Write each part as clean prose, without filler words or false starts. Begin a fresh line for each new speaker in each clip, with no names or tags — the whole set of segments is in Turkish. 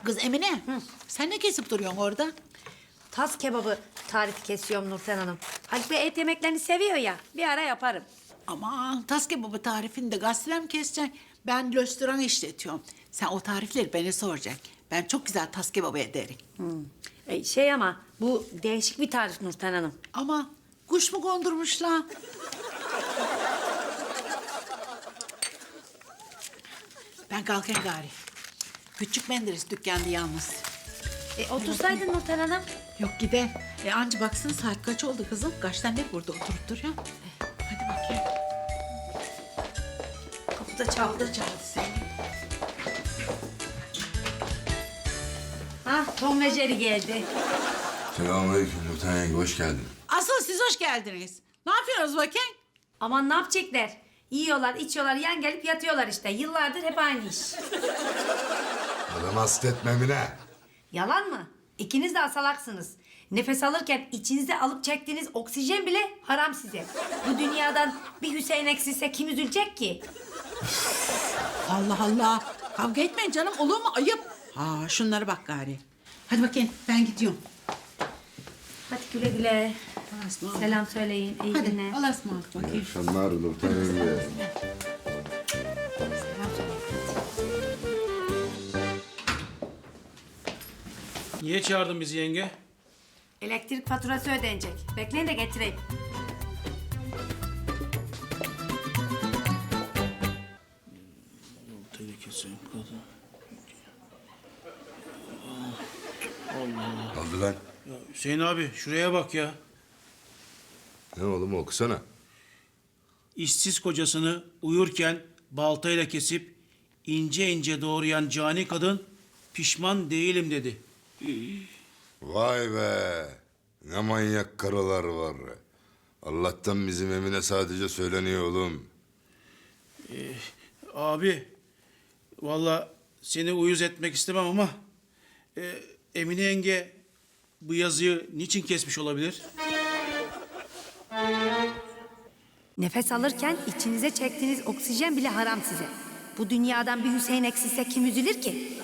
Kız Emine, sen ne kesip duruyorsun orada?
Tas kebabı tarifi kesiyorum Nurten Hanım. Haluk Bey et yemeklerini seviyor ya. Bir ara yaparım.
Aman tas kebabı tarifini de gazeteden mi keseceksin? Ben restoran işletiyorum. Sen o tarifleri bana soracaksın. Ben çok güzel tas kebabı ederim.
Ama bu değişik bir tarif Nurten Hanım.
Ama kuş mu kondurmuşlar? Ben kalkayım gari. Küçük Menderes dükkanda yalnız.
Otursaydın Nurten Hanım.
Yok gideyim. Anca baksın saat kaç oldu kızım? Kaçtan beri burada oturup duruyor? Hadi bakayım.
Kapıda çaldı.
Çaldı seni.
Tom ve Jerry geldi.
Selamünaleyküm Nurten yenge, hoş geldin.
Asıl siz hoş geldiniz. Ne yapıyorsunuz bakayım?
Aman ne yapacaklar? Yiyorlar, içiyorlar, yan gelip yatıyorlar işte. Yıllardır hep aynı iş.
Adamı hasta etme Emine.
Yalan mı? İkiniz de asalaksınız. Nefes alırken içinize alıp çektiğiniz oksijen bile haram size. Bu dünyadan bir Hüseyin eksilse kim üzülecek ki?
Allah Allah. Kavga etmeyin canım. Olur mu? Ayıp. Ha, şunlara bak gari. Hadi bakayım ben gidiyorum.
Hadi güle güle.
Allah'a ısmarladık.
Selam söyleyin. İyi
Hadi
günler.
Allah'a ısmarladık
İyi
bakayım.
akşamlar Nurten yenge.
Selam söyleyin.
Niye çağırdın bizi yenge?
Elektrik faturası ödenecek. Bekleyin de getireyim.
Tehlikesi kadın.
Ne oldu lan?
Ya Hüseyin abi şuraya bak ya.
Ne oğlum, okusana.
İşsiz kocasını uyurken baltayla kesip ince ince doğrayan cani kadın pişman değilim dedi.
Vay be. Ne manyak karılar var. Allah'tan bizim Emine sadece söyleniyor oğlum.
Abi vallahi seni uyuz etmek istemem ama Emine yenge bu yazıyı niçin kesmiş olabilir?
Nefes alırken içinize çektiğiniz oksijen bile haram size. Bu dünyadan bir Hüseyin eksilse kim üzülür ki?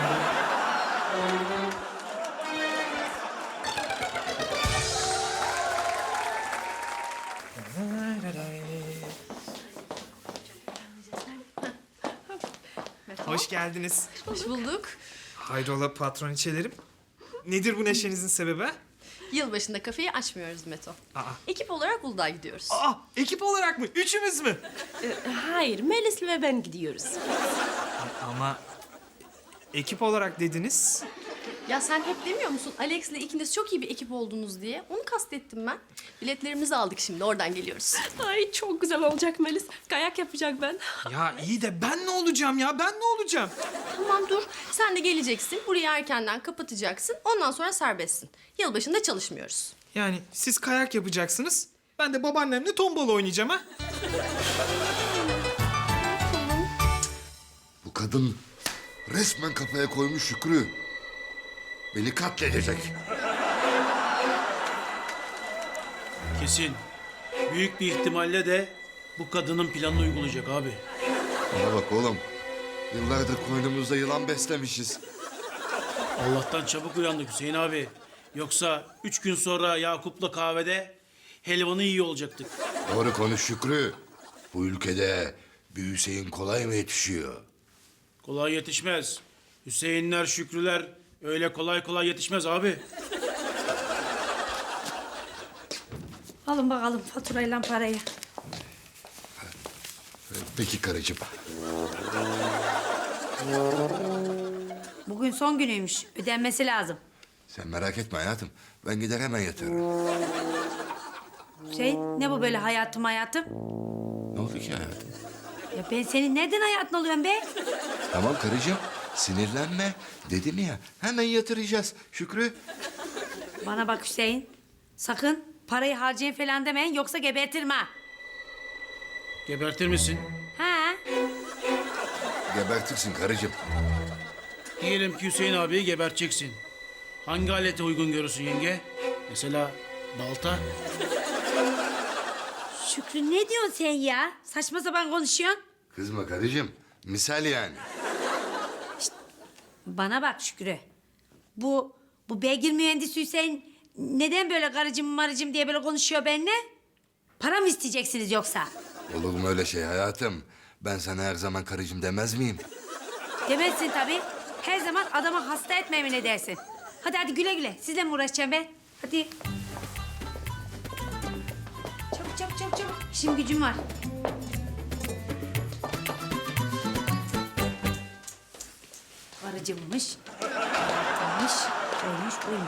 Hoş geldiniz.
Hoş bulduk.
Hayrola patroniçelerim? Nedir bu neşenizin sebebi?
Yılbaşında kafeyi açmıyoruz Meto.
Aa.
Ekip olarak Uludağ'a gidiyoruz.
Ekip olarak mı? Üçümüz mü?
Hayır, Melis'le ve ben gidiyoruz.
Ama ekip olarak dediniz.
Ya sen hep demiyor musun Alex'le ikiniz çok iyi bir ekip oldunuz diye? Onu kastettim ben. Biletlerimizi aldık şimdi oradan geliyoruz.
Ay çok güzel olacak Melis. Kayak yapacak ben.
Ya iyi de ben ne olacağım ya? Ben ne olacağım?
Tamam dur sen de geleceksin. Burayı erkenden kapatacaksın. Ondan sonra serbestsin. Yılbaşında çalışmıyoruz.
Yani siz kayak yapacaksınız. Ben de babaannemle tombala oynayacağım ha.
Bu kadın resmen kafaya koymuş Şükrü. Beni katledecek.
Kesin. Büyük bir ihtimalle de bu kadının planını uygulayacak abi.
Bana bak oğlum. Yıllardır koynumuzda yılan beslemişiz.
Allah'tan çabuk uyandık Hüseyin abi. Yoksa 3 gün sonra Yakup'la kahvede helvanı yiyor olacaktık.
Doğru konuş Şükrü. Bu ülkede bir Hüseyin kolay mı yetişiyor?
Kolay yetişmez. Hüseyinler, Şükrüler öyle kolay kolay yetişmez abi.
Alın bakalım faturayla parayı.
Peki karıcığım.
Bugün son günüymüş. Ödenmesi lazım.
Sen merak etme hayatım. Ben gider hemen yatırırım.
Ne bu böyle hayatım?
Ne oldu ki hayatım?
Ya ben senin nereden hayatın oluyorum be?
Tamam karıcığım. Sinirlenme. Dedim ya hemen yatıracağız. Şükrü.
Bana bak Hüseyin. Sakın parayı harcayın falan demeyin yoksa gebertirim ha.
Gebertir misin?
Ha?
Gebertirsin karıcığım.
Diyelim ki Hüseyin abiyi geberteceksin. Hangi alete uygun görürsün yenge? Mesela balta.
Şükrü ne diyorsun sen ya? Saçma sapan konuşuyorsun.
Kızma karıcığım. Misal yani.
Bana bak Şükrü. Bu beygir mühendisi Hüseyin neden böyle karıcım marıcım diye böyle konuşuyor benimle? Para mı isteyeceksiniz yoksa?
Olur mu öyle şey hayatım? Ben sana her zaman karıcığım demez miyim?
Demezsin tabii. Her zaman adama hasta etmemi ne dersin? Hadi güle güle. Sizle mi uğraşacağım ben? Hadi. Çabuk. İşim gücüm var. Karıcımmış. Oymuş buymuş.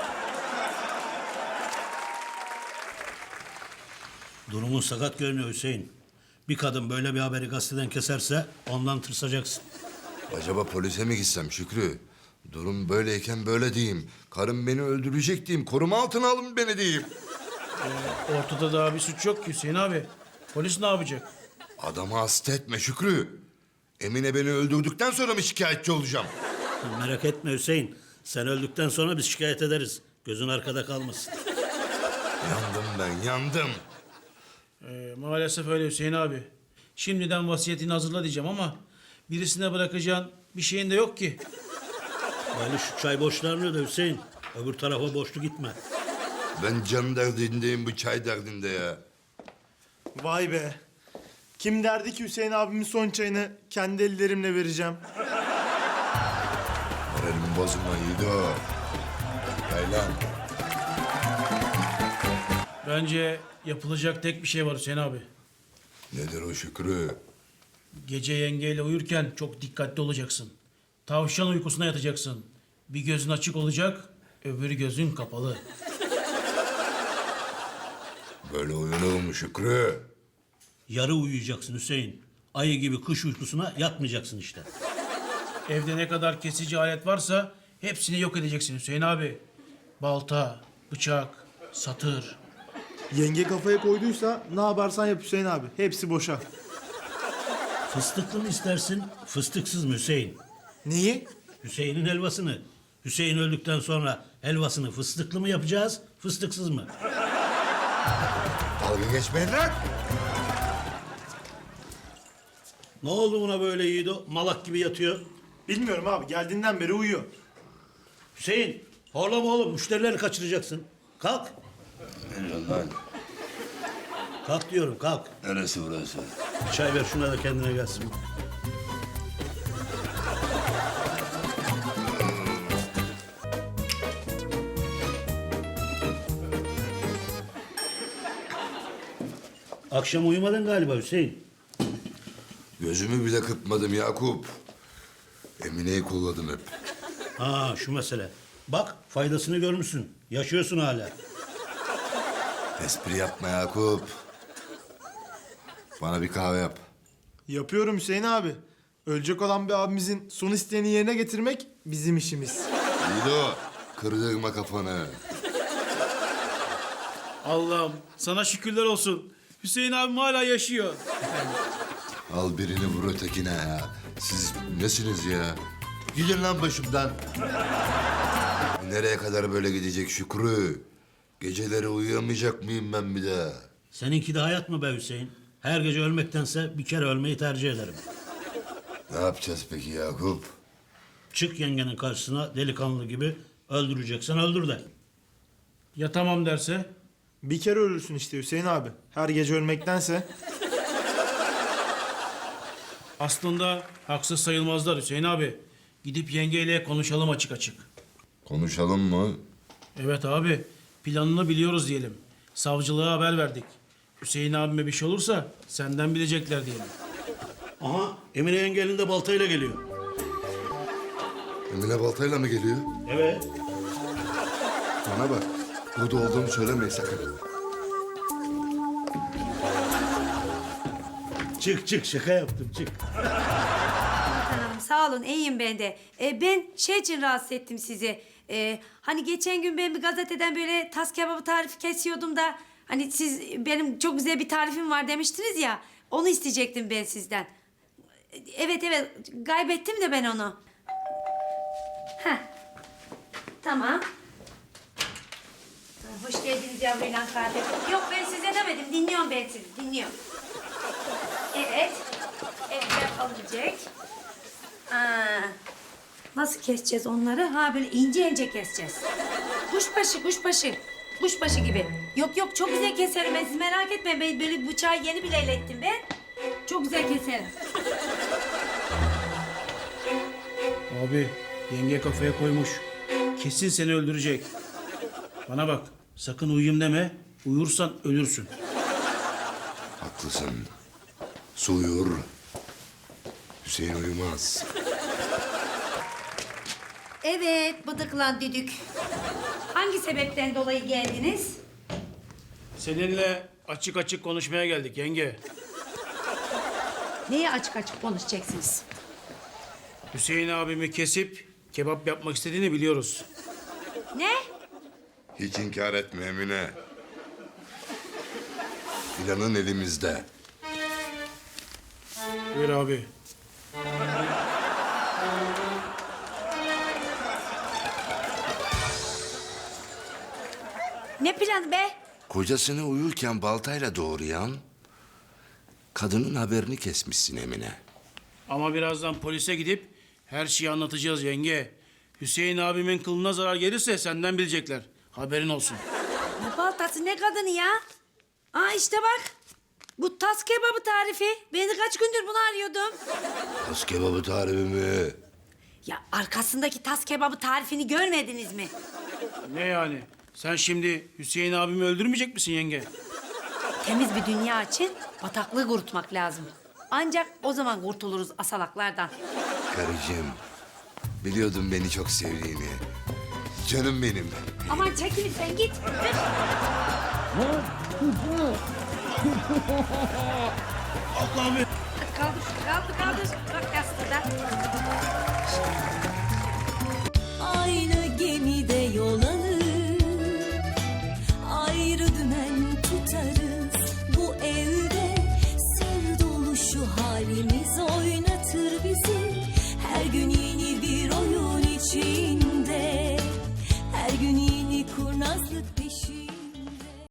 Durumun sakat görünüyor Hüseyin. Bir kadın böyle bir haberi gazeteden keserse ondan tırsacaksın.
Acaba polise mi gitsem Şükrü? Durum böyleyken böyle diyeyim. Karım beni öldürecek diyeyim. Koruma altına alın beni diyeyim.
Ortada daha bir suç yok ki Hüseyin abi. Polis ne yapacak?
Adamı hasta etme Şükrü. Emine beni öldürdükten sonra mı şikayetçi olacağım?
Merak etme Hüseyin. Sen öldükten sonra biz şikayet ederiz. Gözün arkada kalmasın.
Yandım ben, yandım.
Maalesef öyle Hüseyin abi. Şimdiden vasiyetini hazırla diyeceğim ama birisine bırakacağın bir şeyin de yok ki.
Yani şu çay borçlarını öde Hüseyin. Öbür tarafa borçlu gitme.
Ben can derdindeyim, bu çay derdinde ya.
Vay be. Kim derdi ki Hüseyin abimin son çayını kendi ellerimle vereceğim.
Moralimi bozma Yiğido. Yaylan.
Bence yapılacak tek bir şey var Hüseyin abi.
Nedir o Şükrü?
Gece yengeyle uyurken çok dikkatli olacaksın. Tavşan uykusuna yatacaksın. Bir gözün açık olacak, öbür gözün kapalı.
Böyle uyunur mu Şükrü?
Yarı uyuyacaksın Hüseyin. Ayı gibi kış uykusuna yatmayacaksın işte.
Evde ne kadar kesici alet varsa hepsini yok edeceksin Hüseyin abi. Balta, bıçak, satır.
Yenge kafaya koyduysa ne yaparsan yap Hüseyin abi. Hepsi boşa.
Fıstıklı mı istersin, fıstıksız mı Hüseyin?
Neyi?
Hüseyin'in helvasını. Hüseyin öldükten sonra helvasını fıstıklı mı yapacağız, fıstıksız mı?
Dalga geçmeyin lan.
Ne oldu buna böyle Yiğido? Malak gibi yatıyor.
Bilmiyorum abi. Geldiğinden beri uyuyor.
Hüseyin, horlama oğlum. Müşterileri kaçıracaksın. Kalk.
Lan,
Kalk diyorum, kalk.
neresi burası?
Çay ver şuna da kendine gelsin. Akşam uyumadın galiba Hüseyin.
Gözümü bile kırpmadım Yakup. Emine'yi kolladım hep.
Ha şu mesele. Bak faydasını görmüşsün. Yaşıyorsun hala.
Espri yapma Yakup. Bana bir kahve yap.
Yapıyorum Hüseyin abi. Ölecek olan bir abimizin son isteğini yerine getirmek bizim işimiz.
Yiğido, kırdırma kafanı.
Allah'ım sana şükürler olsun. Hüseyin abim hala yaşıyor.
Al birini vur ötekine ya. Siz nesiniz ya? Gidin lan başımdan. Nereye kadar böyle gidecek Şükrü? Geceleri uyuyamayacak mıyım ben bir daha?
Seninki de hayat mı be Hüseyin? Her gece ölmektense bir kere ölmeyi tercih ederim.
Ne yapacağız peki Yakup?
Çık yengenin karşısına delikanlı gibi öldüreceksen öldür de.
Ya tamam derse?
Bir kere ölürsün işte Hüseyin abi. Her gece ölmektense.
Aslında haksız sayılmazlar Hüseyin abi. Gidip yengeyle konuşalım açık açık.
Konuşalım mı?
Evet abi, planını biliyoruz diyelim. Savcılığa haber verdik. Hüseyin abime bir şey olursa senden bilecekler diyelim.
Aha Emine yenge elinde baltayla geliyor.
Emine baltayla mı geliyor?
Evet.
Bana bak. Burada olduğumu söylemeyin sakın.
Çık şaka yaptım çık.
Hanım sağ olun iyiyim ben de. Ben şey için rahatsız ettim sizi. Hani geçen gün ben bir gazeteden böyle tas kebabı tarifi kesiyordum da... ...hani siz benim çok güzel bir tarifim var demiştiniz ya... ...onu isteyecektim ben sizden. Evet kaybettim de ben onu. Heh. Tamam. Hoş geldiniz yavru ilan kardeşim. Yok ben size demedim dinliyorum ben sizi dinliyorum. Evet. Evet alınacak. Nasıl keseceğiz onları? Ha böyle ince ince keseceğiz. Kuşbaşı gibi. Yok çok güzel keserim ben, siz merak etmeyin. Ben böyle bıçağı yeni bile ettim ben. Çok güzel keserim.
Abi yenge kafaya koymuş. Kesin seni öldürecek. Bana bak sakın uyuyayım deme. Uyursan ölürsün.
Haklısın. Su uyur. Hüseyin uyumaz.
Evet bıdıklan düdük. Hangi sebepten dolayı geldiniz?
Seninle açık açık konuşmaya geldik yenge.
Neye açık açık konuşacaksınız?
Hüseyin abimi kesip kebap yapmak istediğini biliyoruz.
Ne?
Hiç inkar etme Emine. Planın elimizde.
Buyur abi.
Ne planı be?
Kocasını uyurken baltayla doğrayan kadının haberini kesmişsin Emine.
Ama birazdan polise gidip her şeyi anlatacağız yenge. Hüseyin abimin kılına zarar gelirse senden bilecekler. Haberin olsun.
Ne baltası ne kadını ya? Aa işte bak. Bu tas kebabı tarifi. Ben de kaç gündür bunu arıyordum.
Tas kebabı tarifi mi?
Ya arkasındaki tas kebabı tarifini görmediniz mi?
Ne yani? Sen şimdi Hüseyin abimi öldürmeyecek misin yenge?
Temiz bir dünya için bataklığı kurutmak lazım. Ancak o zaman kurtuluruz asalaklardan.
Karıcığım, biliyordum beni çok sevdiğini. Canım benim.
Aman çekil sen git.
Allah abi.
Hadi kaldır. Bak yastıkta.
Aynı gemide yol alır, ayrı dümen tutarız. Bu evde sır dolu şu halimiz oynatır bizi. Her gün yeni bir